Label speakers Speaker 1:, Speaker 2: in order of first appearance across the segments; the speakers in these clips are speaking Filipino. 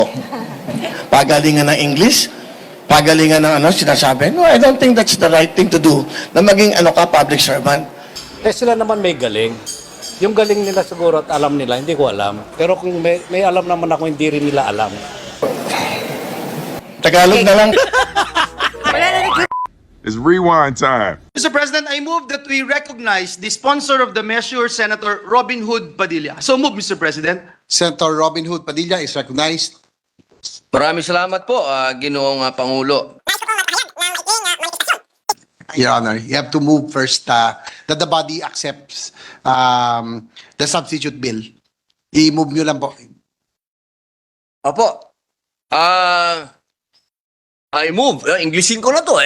Speaker 1: Pagalingan ng English, pagalingan ng sinasabi. No, I don't think that's the right thing to do na maging public servant.
Speaker 2: Sila naman may galing. Yung galing nila siguro at alam nila, hindi ko alam. Pero kung may alam naman ako, hindi rin nila alam.
Speaker 1: Tagalog na lang.
Speaker 3: It's rewind time.
Speaker 4: Mr. President, I move that we recognize the sponsor of the measure, Senator Robin Hood Padilla. So move, Mr. President.
Speaker 5: Senator Robin Hood Padilla is recognized.
Speaker 6: Maraming salamat po, Ginoong Pangulo.
Speaker 5: Your Honor, you have to move first that the body accepts the substitute bill. I-move nyo lang po.
Speaker 6: Opo. I move. Englishin ko na to.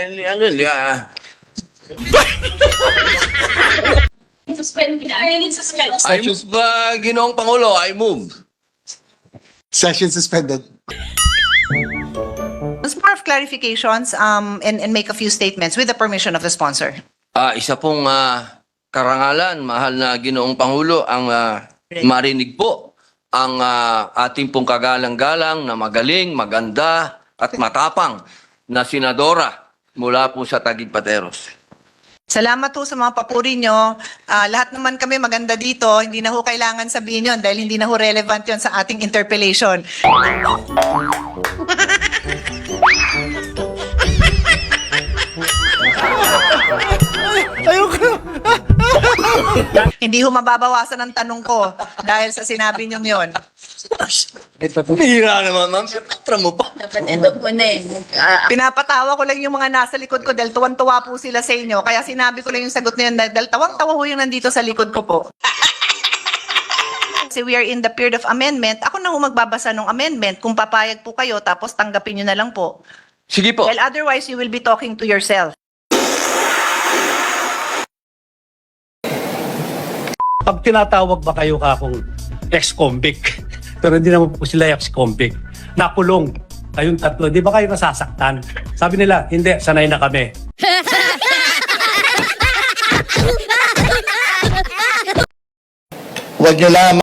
Speaker 6: I move, Ginoong Pangulo. I move.
Speaker 5: Session suspended.
Speaker 7: Just more of clarifications and make a few statements with the permission of the sponsor.
Speaker 6: Isa pong karangalan, mahal na Ginoong Pangulo, ang marinig po ang ating pong kagalang-galang na magaling, maganda at matapang na senadora mula po sa Taguig Pateros.
Speaker 7: Salamat po sa mga papuri nyo. Lahat naman kami maganda dito. Hindi na ho kailangan sabihin yun dahil hindi na ho relevant yun sa ating interpellation. Hindi ho mababawasan ang tanong ko dahil sa sinabi nyo yun.
Speaker 6: Hira naman, ma'am. Patra mo pa.
Speaker 7: Pinapatawa ko lang yung mga nasa likod ko dahil tuwan-tuwa po sila sa inyo. Kaya sinabi ko lang yung sagot na yun dahil tawang-tawa ho yung nandito sa likod ko po. Kasi we are in the period of amendment. Ako na ho magbabasa ng amendment. Kung papayag po kayo, tapos tanggapin nyo na lang po.
Speaker 6: Sige po.
Speaker 7: Well, otherwise, you will be talking to yourself.
Speaker 2: Pag tinatawag ba kayo akong ex-convict, pero hindi naman po sila ex-convict, nakulong kayong tatlo, di ba kayo nasasaktan? Sabi nila, hindi, sanay na kami.
Speaker 1: Huwag nyo lang